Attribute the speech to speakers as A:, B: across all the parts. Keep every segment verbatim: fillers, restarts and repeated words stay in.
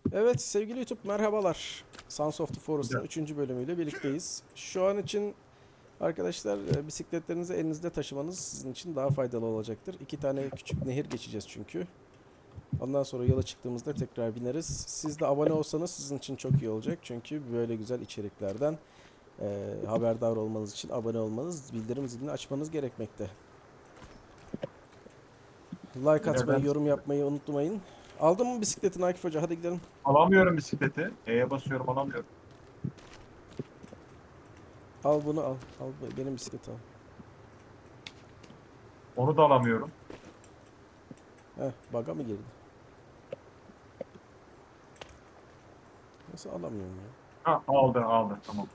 A: Evet sevgili YouTube merhabalar. Sons of the Forest'ın
B: Güzel.
A: üçüncü bölümüyle birlikteyiz. Şu an için arkadaşlar e, bisikletlerinizi elinizde taşımanız sizin için daha faydalı olacaktır. İki tane küçük nehir geçeceğiz çünkü. Ondan sonra yola çıktığımızda tekrar bineriz. Siz de abone olsanız sizin için çok iyi olacak. Çünkü böyle güzel içeriklerden e, haberdar olmanız için abone olmanız, bildirim zilini açmanız gerekmekte. Like
B: Beyler
A: atmayı,
B: ben
A: yorum yapmayı unutmayın. Aldın mı bisikletini Akif Hoca? Hadi gidelim.
B: alamıyorum bisikleti. E'ye basıyorum alamıyorum.
A: Al bunu al. Al benim bisikleti al.
B: Onu da alamıyorum.
A: Heh, bug'a mı girdi? Nasıl alamıyorum ya?
B: Ha aldı aldı tamam.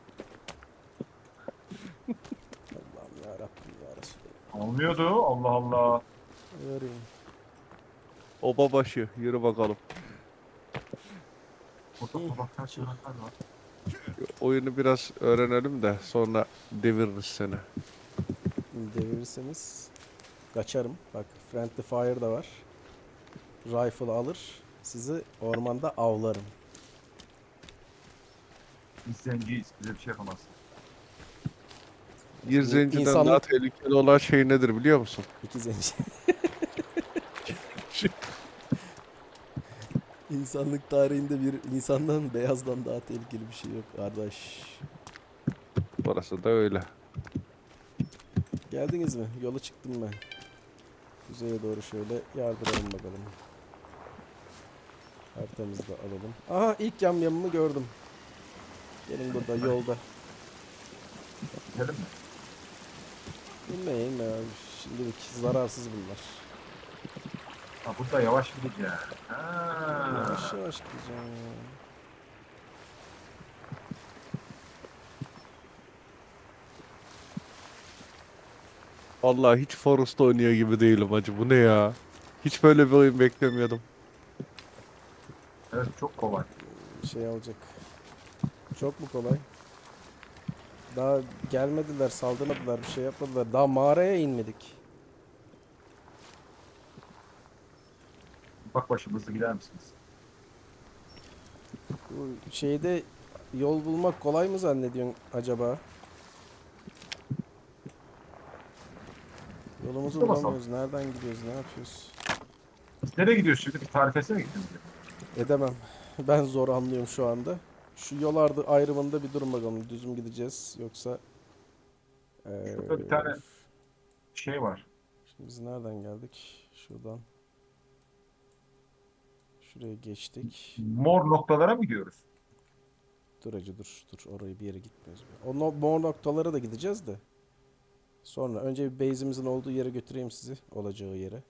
A: Allah'ım ya Rabbim ya Resulallah.
B: Almıyordu Allah Allah.
A: Vereyim.
C: Oba başı yürü bakalım.
B: Burada
A: İyi,
B: tabaklar
A: çık.
B: çanaklar var.
C: Oyunu biraz öğrenelim de sonra deviririz seni.
A: Devirirseniz kaçarım. Bak Friendly Fire da var. Rifle alır. Sizi ormanda avlarım.
B: Biz zenciyiz. Bize bir şey yapamazsın.
C: Bir
A: İn-
C: zenciden
A: insanlık-
C: daha tehlikeli olan şey nedir biliyor musun?
A: İki zenci. İnsanlık tarihinde bir insandan beyazdan daha tehlikeli bir şey yok kardeş.
C: Burası da öyle.
A: Geldiniz mi? Yola çıktım ben. Kuzeye doğru şöyle yardıralım bakalım. Haritamızı da alalım. Aha ilk yamyamımı gördüm. Gelin burada yolda.
B: Gidelim mi?
A: İnme inme abi. Şimdilik zararsız bunlar.
B: Ha burada yavaş gideceğiz. Ha.
A: Yavaş yavaş gideceğim ya.
C: Vallahi hiç Forest oynuyor gibi değilim hacı. Bu ne ya? Hiç böyle bir oyun beklemiyordum.
B: Evet çok kolay.
A: Şey alacak. Çok mu kolay? Daha gelmediler, saldırmadılar, bir şey yapmadılar. Daha mağaraya inmedik.
B: Bak başımızda gider misiniz?
A: Bu şeyde yol bulmak kolay mı zannediyorsun acaba? Yolumuzu
B: Dur bakalım.
A: bulamıyoruz. Nereden gidiyoruz? Ne yapıyoruz?
B: Biz nereye gidiyoruz şimdi? Bir tarif etsene gidiyoruz.
A: Edemem. Ben zor anlıyorum şu anda. Şu yol ardı ayrımında bir durun bakalım. Düz mü gideceğiz yoksa eee,
B: Şurada bir tane şey var.
A: şimdi biz nereden geldik? Şuradan. Şuraya geçtik.
B: Mor noktalara mı gidiyoruz?
A: Dur acı dur. Dur oraya bir yere gitmiyoruz. O no mor noktalara da gideceğiz de. Sonra önce bir base'imizin olduğu yere götüreyim sizi. Olacağı yere.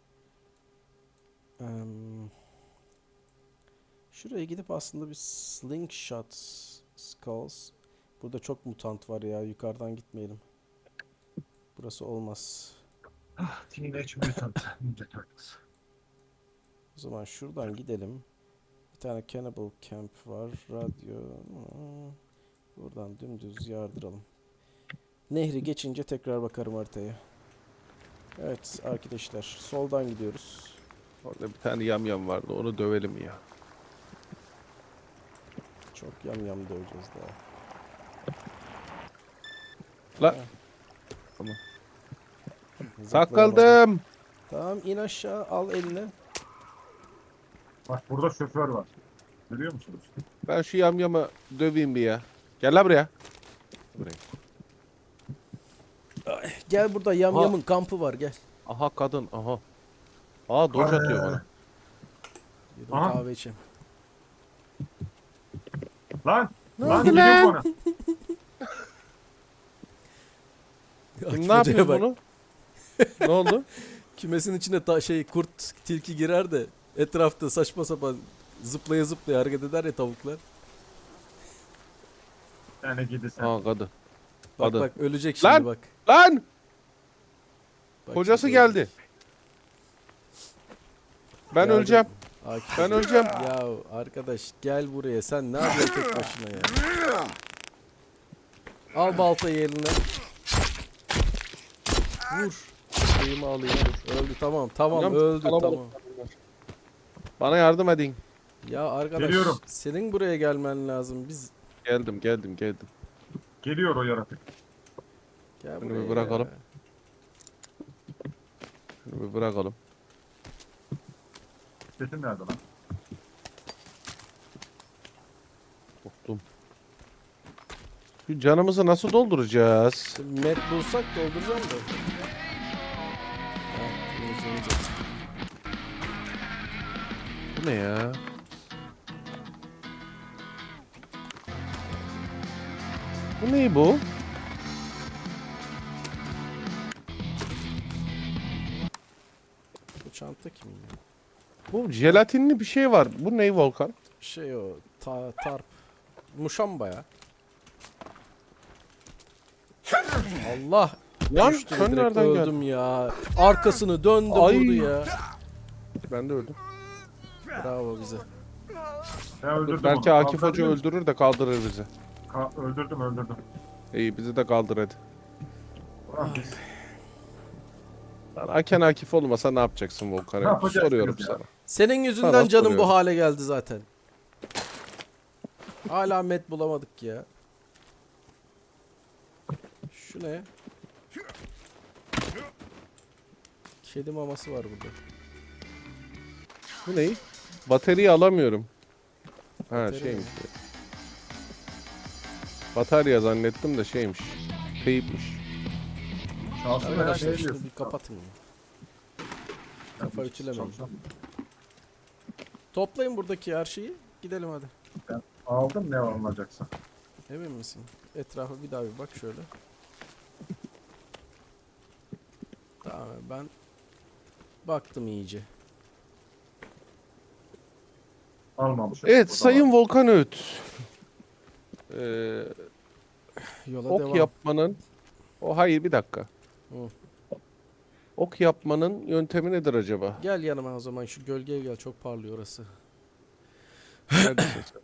A: Em, şuraya gidip aslında bir slingshot skulls. Burada çok mutant var ya. Yukarıdan gitmeyelim. Burası olmaz.
B: Teenage Mutant Ninja Turtles.
A: O zaman şuradan gidelim. Bir tane Cannibal Camp var. Radyo. Hmm. Buradan dümdüz yardıralım. Nehri geçince tekrar bakarım haritaya. Evet arkadaşlar. Soldan gidiyoruz.
C: Orada bir tane yamyam vardı. Onu dövelim ya.
A: Çok yam yam döveceğiz daha.
C: La
A: Ha.
C: Tamam.
A: Zıplayamadım.
C: takıldım.
A: Tamam in aşağı al eline.
B: Bak burada şoför var. Görüyor musunuz?
C: Ben şu yamyamı döveyim bir ya. Gel la buraya. Buraya.
A: Gel burada yam
C: Ha.
A: yamın kampı var gel.
C: Aha kadın. Aha. Aa doj atıyor bana.
A: Bir
B: Aha.
A: kahve içeyim.
B: Lan!
A: Ne
B: Lan
A: oldu
B: gidiyor
C: lan?
B: bana.
C: Kim ne yapıyor bunu? Ne oldu?
A: Kümesin içine ta şey kurt tilki girer de etrafta saçma sapan zıplaya zıplaya hareket eder ya tavuklar.
B: Yani gidi sen.
C: Aa kadın.
A: Bak
C: Kadın.
A: bak ölecek şimdi
C: Lan!
A: bak.
C: Lan!
A: Bak
C: Kocası
A: şimdi
C: geldi.
A: ölecek.
C: Ben
A: Geldim.
C: öleceğim.
A: Akif
C: Ben
A: Hoca.
C: öleceğim.
A: Ya arkadaş gel buraya sen ne yapıyorsun tek başına ya. Al baltayı eline. Vur. Şeyimi alayım dur. Öldü tamam tamam
C: Hocam,
A: öldü
C: kalabalık.
A: tamam.
C: Bana yardım edin.
A: Ya arkadaş
B: Geliyorum.
A: senin buraya gelmen lazım. Biz
C: Geldim geldim geldim.
B: Geliyor o yaratık.
A: gel
C: Bunu
A: buraya
C: bir bırakalım.
A: ya.
C: Şunu bir bırakalım.
B: Sesin nerede lan?
C: Korktum. Şu canımızı nasıl dolduracağız?
A: Şimdi met bulsak dolduracağım da. Heh, temiz, temiz.
C: Bu ne ya? Bu ne bu?
A: Bu çanta kimin ya?
C: Bu jelatinli bir şey var. Bu ne Volkan?
A: Şey o ta, tarp. Muşamba ya. Allah.
C: Lan
A: Düştüm,
C: sen
A: direkt
C: nereden geldin?
A: öldüm ya. Arkasını döndü
C: Ay.
A: vurdu ya.
C: Ben de öldüm.
A: Bravo bize.
B: Ben öldürdüm
C: Belki
B: onu.
C: Akif Hoca
B: Kaldırdım.
C: öldürür de kaldırır bizi.
B: Ka- öldürdüm öldürdüm.
C: İyi bizi de kaldır hadi.
B: Ulan biz
C: Lan Aken Akif olmasa ne yapacaksın
B: Ne
C: Volkan?
B: yapacaksınız
C: Soruyorum
B: ya?
C: sana.
A: Senin yüzünden
C: Sana
A: canım
C: soruyorum.
A: bu hale geldi zaten. Hala met bulamadık ya. Şu ne? Kedi maması var burada.
C: Bu ne? Bataryayı alamıyorum. Ha
A: Batarya
C: şeymiş.
A: mı?
C: Batarya zannettim de şeymiş. Teyipmiş.
B: şanslı ya,
A: Arkadaşlar
B: ne
A: şunu
B: diyorsun?
A: bir kapatın. ya.
B: Ya,
A: kafa
B: biz
A: ütülemeyin.
B: çalışalım.
A: Toplayın buradaki her şeyi. Gidelim hadi.
B: Aldım ne alınacaksa.
A: Emin misin? Etrafa bir daha bir bak şöyle. Tamam ben baktım iyice.
B: Almamışım.
C: Evet
B: O da
C: Sayın
B: var.
C: Volkan Öğüt. Ee,
A: Yola
C: ok
A: devam.
C: yapmanın... O hayır bir dakika.
A: Hı.
C: Ok yapmanın yöntemi nedir acaba?
A: Gel yanıma o zaman şu gölgeye gel çok parlıyor orası.
C: Neredesin sen?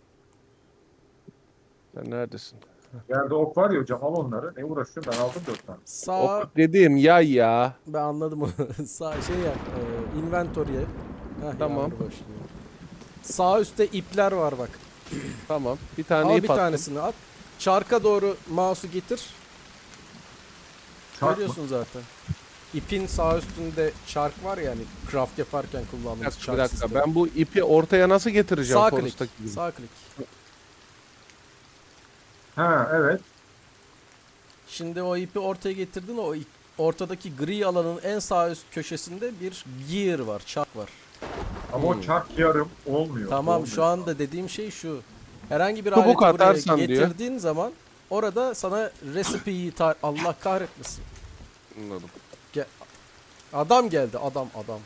C: Sen neredesin?
B: Yerde ok var ya hocam, al onları. Ne uğraşıyorsun, ben aldım dört tane.
A: Sağ
C: Ok dediğim yay ya.
A: ben anladım onu. Sağ şey yap. E, inventory'e. Heh,
C: Tamam.
A: yağmur başlıyor. Sağ üstte ipler var bak.
C: Tamam. Bir tane
A: Al
C: ip
A: bir
C: attım.
A: tanesini at. Çarka doğru mouse'u getir.
B: Çark mı?
A: Görüyorsun zaten. İpin sağ üstünde çark var ya hani craft yaparken
C: Bir
A: kullandığımız
C: dakika,
A: çark
C: bir dakika.
A: sistemi.
C: Ben bu ipi ortaya nasıl getireceğim?
A: Sağ
C: Forest'taki
A: klik.
C: gibi?
A: Sağ klik.
B: Ha evet.
A: Şimdi o ipi ortaya getirdin. O ip- ortadaki gri alanın en sağ üst köşesinde bir gear var, çark var.
B: Ama
C: Hmm.
B: o çark yarım olmuyor.
A: Tamam
B: olmuyor.
A: şu anda dediğim şey şu. Herhangi bir
C: Çubuk
A: aleti buraya
C: atarsan diyor.
A: getirdiğin zaman orada sana recipe'yi tar- Allah kahretmesin.
C: Anladım.
A: Adam geldi adam adam.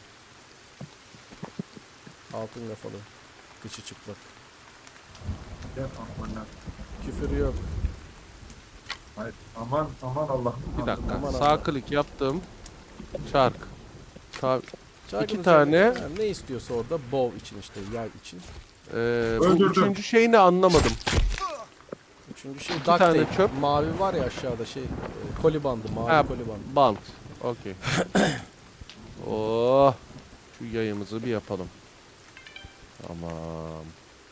A: Altın kafalı. Kıçı çıplak.
B: Gel, aman,
A: Küfür yok.
B: hayır. aman aman Allah.
C: Bir dakika.
A: Aman
C: Sağ
A: Allah.
C: klik yaptım. Çark. Sağ,
A: Çarkın
C: İki tane-
A: üzerine- yani ne istiyorsa orada bow için işte yay için.
C: Ee, bu
B: Öldürdüm.
C: üçüncü şeyini anlamadım.
A: Üçüncü şey
C: İki
A: duct
C: tane
A: tape.
C: çöp.
A: Mavi var ya aşağıda şey e, koli bandı mavi
C: Ha,
A: koli bandı.
C: Bant. Okey. Oh. Şu yayımızı bir yapalım. Tamam.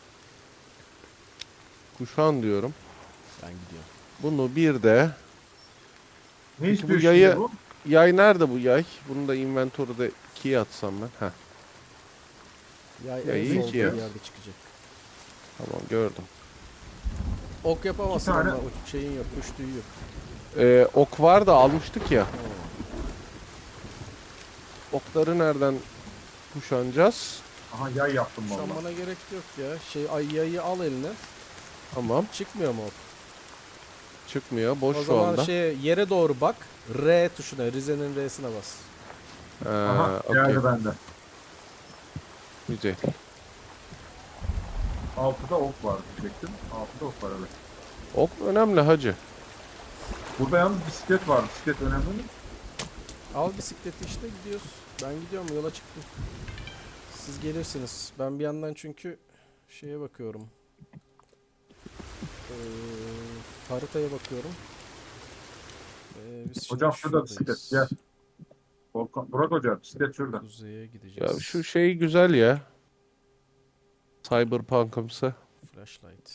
C: Kuşan diyorum.
A: Ben gidiyorum.
C: Bunu bir de
B: Ne
C: Peki
B: istiyor
C: bu
B: şimdi
C: yayı-
B: bu?
C: yay nerede bu yay? Bunu da inventory'de ikiye atsam ben. Heh.
A: Yay
C: Ya
A: en
C: iyi
A: solda
C: ki
A: bir
C: ya.
A: yerde çıkacak.
C: Tamam gördüm.
A: Ok yapamazsın
B: İki tane-
A: ama o şeyin yok, kuş tüyü yok.
C: Ee, ok var da almıştık ya. Okları nereden kuşanacağız?
B: Aha yay yaptım valla.
A: Kuşanmana gerek yok ya. Şey ay yayı al eline.
C: Tamam.
A: Çıkmıyor mu ok?
C: Çıkmıyor. Boş
A: O
C: şu
A: zaman
C: anda.
A: şeye yere doğru bak. R tuşuna, Rize'nin R'sine bas.
C: Ee,
B: Aha
C: okey.
B: geldi bende.
C: Güzel.
B: Altıda ok var diyecektim. Altıda ok var evet.
C: Ok önemli hacı.
B: Burada yalnız bisiklet var. Bisiklet önemli mi?
A: Al bisikleti işte gidiyoruz. Ben gidiyorum yola çıktım. Siz gelirsiniz. Ben bir yandan çünkü şeye bakıyorum. Ee, haritaya bakıyorum. Ee, biz şimdi
B: Hocam şurada
A: şuradayız.
B: bisiklet gel. Volkan, Burak Hoca bisiklet şurada.
A: Kuzeye gideceğiz.
C: Ya şu şey güzel ya. Cyberpunk'ımsı.
A: Flashlight.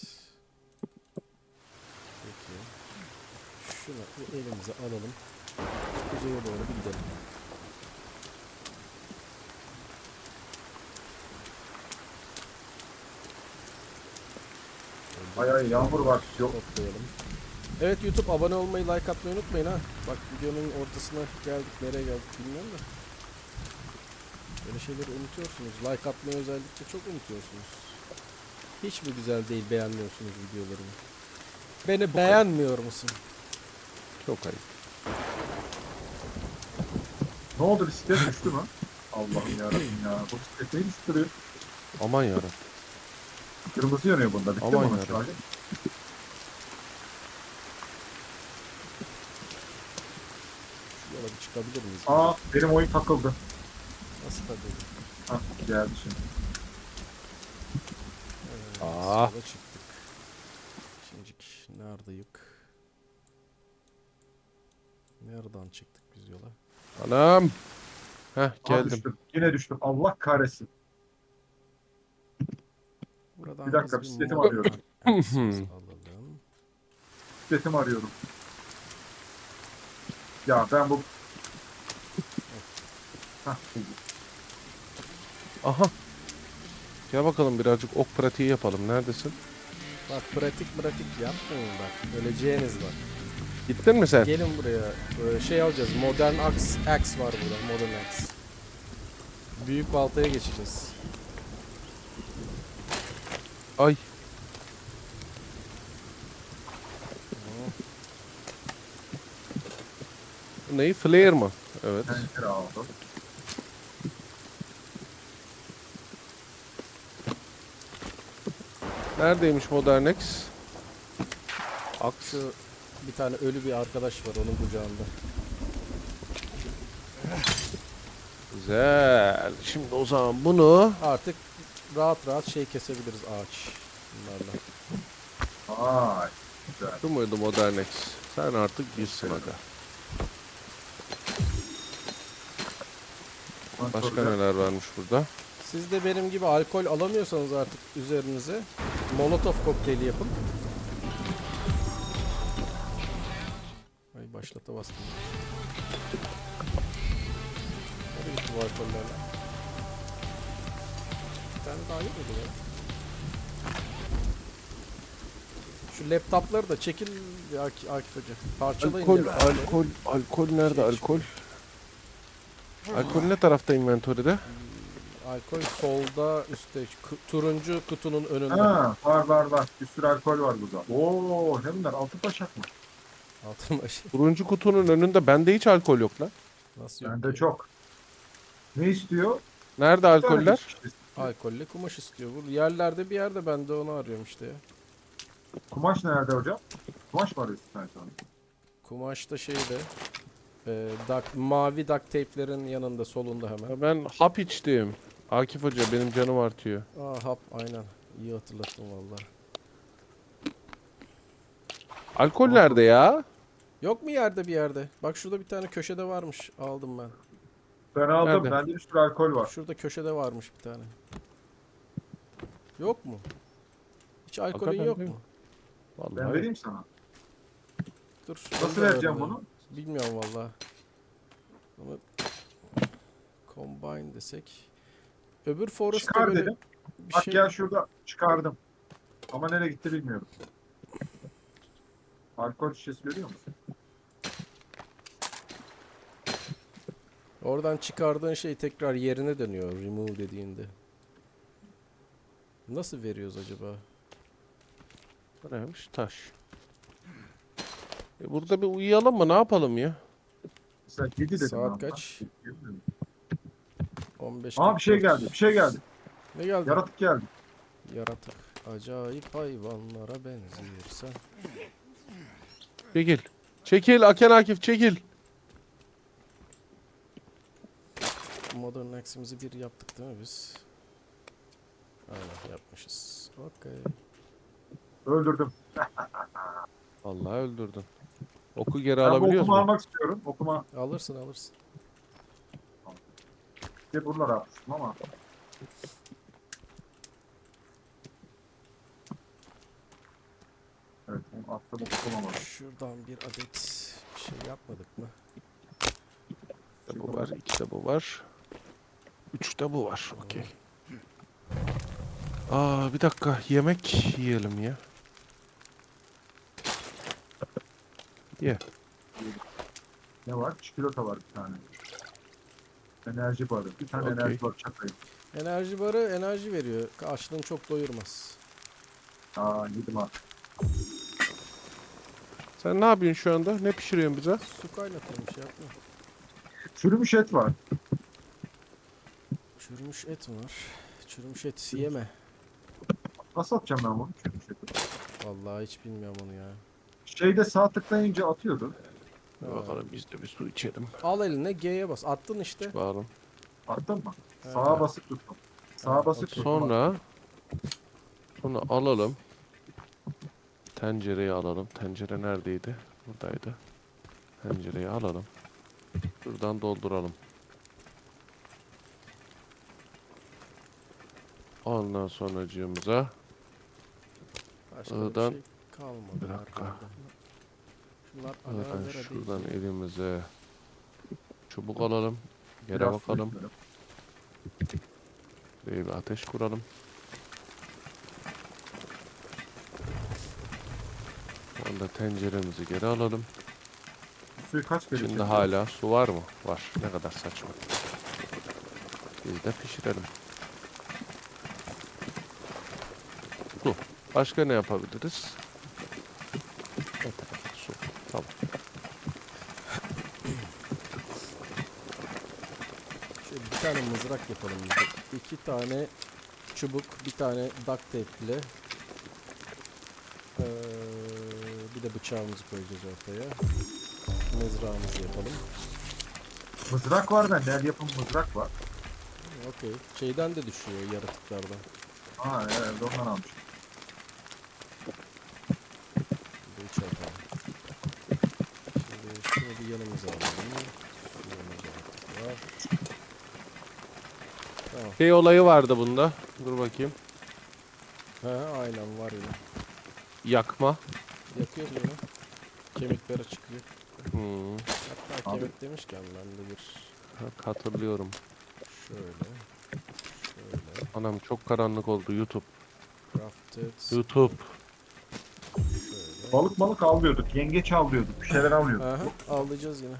A: Peki. Şunu bir elimize alalım. Kuzeye doğru bir gidelim.
B: Ay ay yağmur var. Yok.
A: Toplayalım. Evet YouTube abone olmayı, like atmayı unutmayın ha. Bak videonun ortasına geldik, nereye geldik bilmiyorum da. Böyle şeyleri unutuyorsunuz. Like atmayı özellikle çok unutuyorsunuz. Hiç mi güzel değil, beğenmiyorsunuz videolarımı? Beni beğenmiyor musun?
C: Çok ayıp.
B: Ne oldu, bisiklet düştü mü? Allah'ım yarabbim ya. Bu bisiklet neyi düşürüyor?
C: Aman yarabbim.
B: Kırmızı yanıyor bunda. Bitti mi
C: Aman
B: onun
C: yarabbim.
B: şarjı?
A: Şu yola bir çıkabilir miyiz?
B: Aa, benim oyun takıldı.
A: Nasıl tabii?
B: Hah, geldi şimdi.
A: Evet,
C: Aa.
A: sola çıktık. Şimdicik neredeyik? Nereden çıktık biz yola?
C: Anam. Heh
B: Aa,
C: geldim.
B: düştüm. Yine düştüm. Allah kahretsin.
A: Buradan
B: Bir dakika,
A: biz
B: bisikletimi
A: mod
B: arıyorum.
A: access alalım.
B: Bisikletimi arıyorum. Ya ben bu... Hah, buldum.
C: Aha. Gel bakalım birazcık ok pratiği yapalım. Neredesin?
A: Bak pratik pratik yapmayın bak. Öleceğiniz var.
C: Gittin mi sen?
A: Gelin buraya. Böyle şey alacağız. Modern Axe, Axe var burada. Modern Axe. Büyük baltaya geçeceğiz.
C: Ay. Bu neyi? Flare mı? Evet.
B: Tencere aldım.
C: Neredeymiş Modern X?
A: Şu bir tane ölü bir arkadaş var onun kucağında.
C: Güzel. Şimdi o zaman bunu...
A: Artık rahat rahat şey kesebiliriz ağaç. Bunlarla.
B: Vay. Güzel.
C: Şu muydu Modern X? Sen artık bilsin aga. Başka neler varmış burada?
A: Siz de benim gibi alkol alamıyorsanız artık üzerinize Molotov kokteyli yapın. Ay başlata bastım. Nereye gitti bu alkollerle? Bir tane daha yok muydu ya? Şu laptopları da çekil ya Ak- Akif Hoca. Parçalayın.
C: Alkol,
A: laptopları.
C: alkol, alkol nerede
A: Şey
C: alkol? Alkol ne tarafta inventörde?
A: Alkol solda üstte ku- turuncu kutunun önünde.
B: Ha, var var var. Bir sürü alkol var burada. Oo, ne bunlar? Altın taşak mı?
A: Altın başı.
C: Turuncu kutunun önünde bende hiç alkol yok lan.
A: Nasıl yok
B: Bende
A: ki?
B: çok. Ne istiyor?
C: Nerede
B: Bir tane
C: alkoller?
B: geçmiş istiyor.
A: Alkolle kumaş istiyor. Bu yerlerde bir yerde ben de onu arıyorum işte ya.
B: Kumaş nerede hocam? Kumaş var üstüne sonra.
A: Kumaş da şeyde e, duct- mavi duct tape'lerin yanında solunda hemen.
C: Ya ben hap içtim. Akif Hoca benim canım artıyor.
A: Aa hap aynen. İyi hatırlattın valla.
C: Alkol nerede ya?
A: Yok mu yerde bir yerde? Bak şurada bir tane köşede varmış. Aldım ben.
B: Ben aldım.
C: Nerede?
B: Bende bir sürü alkol var.
A: Şurada köşede varmış bir tane. Yok mu? Hiç alkolün
C: Hakikaten
A: yok
C: değil
A: mu?
C: Vallahi.
B: Ben vereyim sana.
A: Dur.
B: Nasıl
A: onu da
B: vereceğim
A: alayım.
B: bunu?
A: Bilmiyorum valla. Ama combine desek. Öbür Forest'ta
B: Çıkar
A: böyle
B: dedim.
A: bir
B: Bak
A: şey.
B: gel şurada çıkardım. Ama nereye gitti bilmiyorum. Alkol şişesi görüyor musun?
A: Oradan çıkardığın şey tekrar yerine dönüyor. Remove dediğinde. Nasıl veriyoruz acaba?
C: Bu neymiş? Taş. E burada bir uyuyalım mı? Ne yapalım ya?
B: Mesela yedi dedim.
A: Saat
B: ben
A: kaç?
B: buna.
A: on beş
B: Aa, bir şey
A: kırk dört.
B: geldi. Bir şey geldi.
A: Ne geldi?
B: Yaratık geldi.
A: Yaratık. Acayip hayvanlara benziyorsa.
C: Çekil. Çekil Aken Akif çekil.
A: Modern Axe'imizi bir yaptık değil mi biz? Aynen yapmışız. Okey.
B: Öldürdüm.
C: Vallahi öldürdün. Oku geri
B: Ben bu
C: alabiliyoruz
B: okuma
C: mu?
B: almak istiyorum. Okuma
A: Alırsın alırsın.
B: diye buralara atmıştım ama. Altta da tutulamadım.
A: Şuradan bir adet şey yapmadık mı?
C: Bir de bu var, iki de bu var. Üç de bu var. Okey. Aa bir dakika. Yemek yiyelim ya. Ye.
B: Ne var? Çikolata var bir tane. Enerji barı. Bir tane
C: Okey.
B: enerji barı çakayım.
A: Enerji barı enerji veriyor. Açlığını çok doyurmaz.
B: Aa yedim ha.
C: Sen ne yapıyorsun şu anda? Ne pişiriyorsun bize?
A: Su kaynatıyorum şey yapma.
B: Çürümüş et var.
A: Çürümüş et mi var? Çürümüş et yeme.
B: Nasıl atacağım ben bunu? Çürümüş eti.
A: Vallahi hiç bilmiyorum onu ya.
B: Şeyde sağ tıklayınca atıyordu.
A: Ha.
C: Bakalım biz de bir su içelim.
A: Al eline G'ye bas. Attın işte.
C: Bakalım.
B: Attın mı?
A: Ha.
B: Sağa basıp tuttum. Sağa
A: Ha,
B: basıp
A: okey.
B: tuttum.
C: Sonra sonra alalım. Tencereyi alalım. Tencere neredeydi? Buradaydı. Tencereyi alalım. Buradan dolduralım. Ondan sonracığımıza
A: Başka da
C: Oradan-
A: bir şey kalmadı.
C: Bir dakika.
A: arkamda. Şunlar
C: buradan
A: aloe vera değil.
C: şuradan elimize çubuk alalım. Yere
B: Biraz su
C: bakalım.
B: içiyorum.
C: Buraya bir ateş kuralım. Sonra tenceremizi geri alalım.
B: Bu suyu kaç kere
C: İçinde
B: çekiyor?
C: hala su var mı? Var. Ne kadar saçma. Biz de pişirelim. Su. Başka ne yapabiliriz? Yeter. Su. Tamam.
A: Şöyle bir tane mızrak yapalım biz de. İki tane çubuk, bir tane duct tape ile ee, bir de bıçağımızı koyacağız ortaya. Mızrağımızı yapalım.
B: Mızrak var bende. El yapım mızrak var.
A: Okey. Şeyden de düşüyor yaratıklardan.
B: Aa evet ondan almışım.
A: Bir de üç yapalım. Şimdi şunu bir yanımıza alalım. Suyumuzu artık var. Tamam.
C: Şey olayı vardı bunda. Dur bakayım.
A: Ha, aynen var yine.
C: Yakma.
A: Yakıyoruz onu. Kemikleri çıkıyor.
C: Hmm.
A: Hatta
B: Abi.
A: kemik demişken ben de bir
C: Bak, hatırlıyorum.
A: şöyle şöyle
C: Anam çok karanlık oldu YouTube.
A: crafted
C: YouTube.
A: şöyle.
B: Balık balık avlıyorduk. Yengeç avlıyorduk. Bir şeyler avlıyorduk.
A: Aha, avlayacağız yine.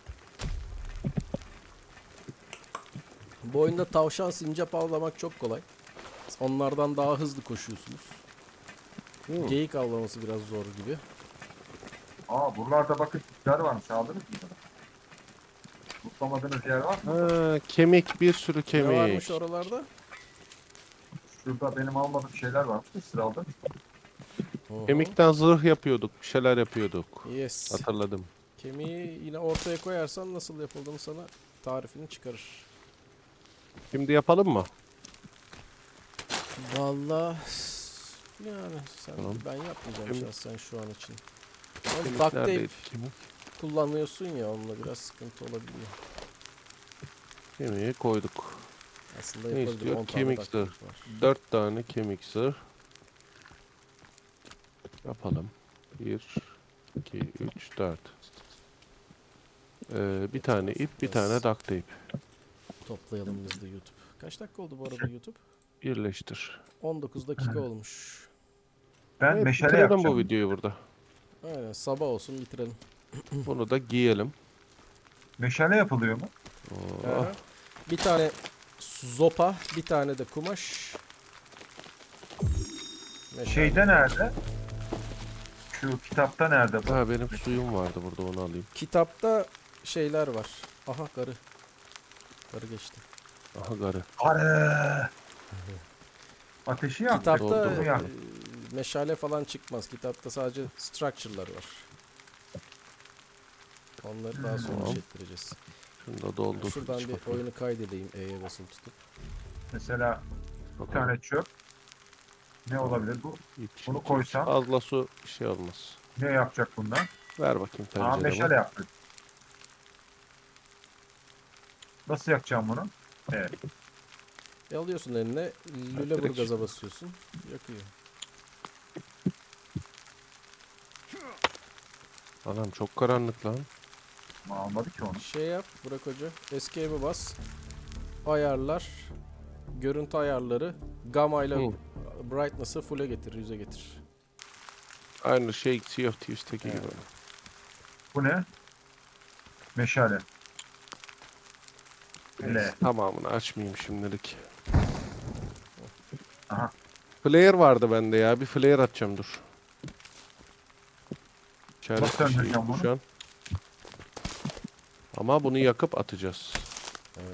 A: Bu oyunda tavşan sincap avlamak çok kolay. Onlardan daha hızlı koşuyorsunuz.
C: Hmm.
A: Geyik avlaması biraz zor gibi.
B: Aa buralarda bakın tipler varmış. Aldınız mı? Mutlamadığınız yer var mı?
C: Ha, kemik bir sürü
A: Ne varmış
C: kemik.
A: oralarda?
B: Şurada benim almadığım şeyler varmış. Siz aldın.
A: Oho.
C: Kemikten zırh yapıyorduk. Bir şeyler yapıyorduk.
A: Yes.
C: Hatırladım.
A: Kemiği yine ortaya koyarsan nasıl yapıldığını sana tarifini çıkarır.
C: Şimdi yapalım mı?
A: Vallahi yani sen
C: Tamam.
A: ben yapmayacağım
C: Kemik-
A: şahsen şu an için. Ama
C: Kemik
A: duct tape
C: neredeydi? Kemik.
A: kullanıyorsun ya onunla biraz sıkıntı olabiliyor.
C: Kemiği koyduk.
A: Aslında
C: Ne
A: yapabilir.
C: istiyor?
A: on tane
C: Kemik
A: duct
C: zırh.
A: tape var.
C: Dört tane kemik zırh. Yapalım. Bir, iki, üç, dört. Ee, bir tane ip, bir tane duct tape.
A: Toplayalım biz de YouTube. Kaç dakika oldu bu arada YouTube?
C: Birleştir.
A: on dokuz dakika olmuş.
B: Ben
C: Evet,
B: meşale
C: bitirelim
B: yapacağım.
C: bu videoyu burada.
A: Aynen sabah olsun bitirelim.
C: Bunu da giyelim.
B: Meşale yapılıyor mu?
C: Oh.
A: Aha. Bir tane zopa, bir tane de kumaş. Meşale.
B: Şeyde nerede? Şu kitapta nerede bu?
C: Ha benim suyum vardı burada, onu alayım.
A: Kitapta şeyler var. Aha karı. Karı geçti.
C: Aha garı.
B: Arı. Ateşi yak.
A: Kitapta
C: Doldu.
B: Bunu yak.
A: e, meşale falan çıkmaz. Kitapta sadece structure'lar var. Onları daha sonra
C: Tamam.
A: çektireceğiz.
C: Şunu da doldur.
A: Şuradan
C: iç
A: bir
C: bakayım.
A: oyunu kaydedeyim E'ye basılı tutup.
B: Mesela bir
C: Bakalım.
B: tane çöp. Ne olabilir bu?
C: İç,
B: Bunu
C: iç, iç.
B: koysam
C: Fazla su bir şey olmaz.
B: ne yapacak bundan?
C: Ver bakayım
B: Aa
C: tencereme.
B: meşale yaptık. Nasıl yakacağım bunu? Evet.
A: E alıyorsun eline, Lüleburgaz'a basıyorsun. Yakıyor.
C: Anam çok karanlık lan.
B: Ama almadı ki onu.
A: Şey yap Burak Hoca. Escape'e bas. Ayarlar. Görüntü ayarları. Gamma ile
C: Hı.
A: brightness'ı full'e getir. Yüze getir.
C: Aynı şey Sea of Thieves'teki
A: Evet.
C: gibi.
B: Bu ne? Meşale.
C: Neyse,
B: L.
C: tamamını açmayayım şimdilik.
B: Aha.
C: Flare vardı bende ya. Bir flare atacağım dur. İçeride
B: Nasıl
C: bir şey
B: söndüreceğim
C: yok
B: bunu?
C: şu an. Ama bunu yakıp atacağız.
A: Evet.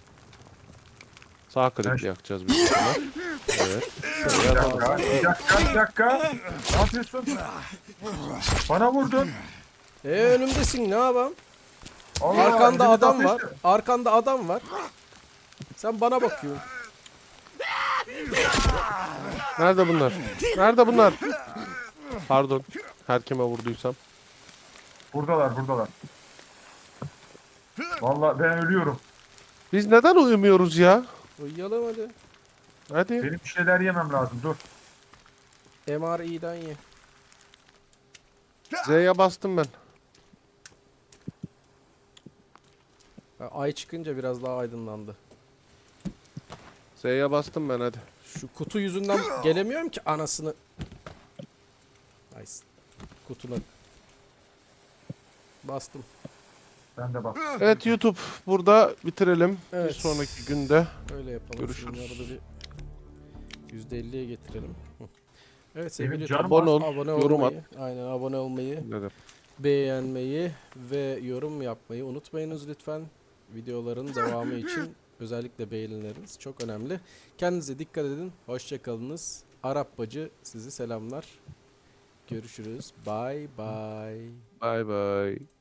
C: Sağ
B: Ben-
C: klikle yakacağız büyük ihtimal. Evet.
B: Bir
C: Flare
B: dakika,
C: lazım.
B: bir dakika, bir dakika. Ne yapıyorsun? Bana vurdun.
A: E önümdesin ne yapayım?
B: Allah,
A: Arkanda
B: elimiz
A: adam var.
B: ateşli.
A: Arkanda adam var. Sen bana bakıyorsun.
C: Nerede bunlar? Nerede bunlar? Pardon. Her kime vurduysam.
B: Buradalar, buradalar. Vallahi ben ölüyorum.
C: Biz neden uyumuyoruz ya?
A: Uyuyalım hadi.
C: Hadi.
B: Benim bir şeyler yemem lazım. Dur.
A: M R I'den ye.
C: Z'ye bastım ben.
A: Ha, Ay çıkınca biraz daha aydınlandı.
C: Z'ye bastım ben hadi.
A: Şu kutu yüzünden gelemiyorum ki anasını. Nice. Kutuna. Bastım.
B: Ben de bak.
C: Evet YouTube burada bitirelim.
A: Evet.
C: Bir sonraki günde
A: Öyle yapalım.
C: Görüşürüz.
A: Şunları da bir yüzde elliye getirelim. Hı. Evet sevgili
B: Benim
A: YouTube,
B: canım
C: abone ol,
A: abone
C: yorum
A: olmayı, aynen abone olmayı,
C: dedim.
A: beğenmeyi ve yorum yapmayı unutmayınız lütfen. Videoların devamı için özellikle beğenileriniz çok önemli. Kendinize dikkat edin. Hoşça kalınız. Arap bacı sizi selamlar. Görüşürüz. Bye bye.
C: Bye bye.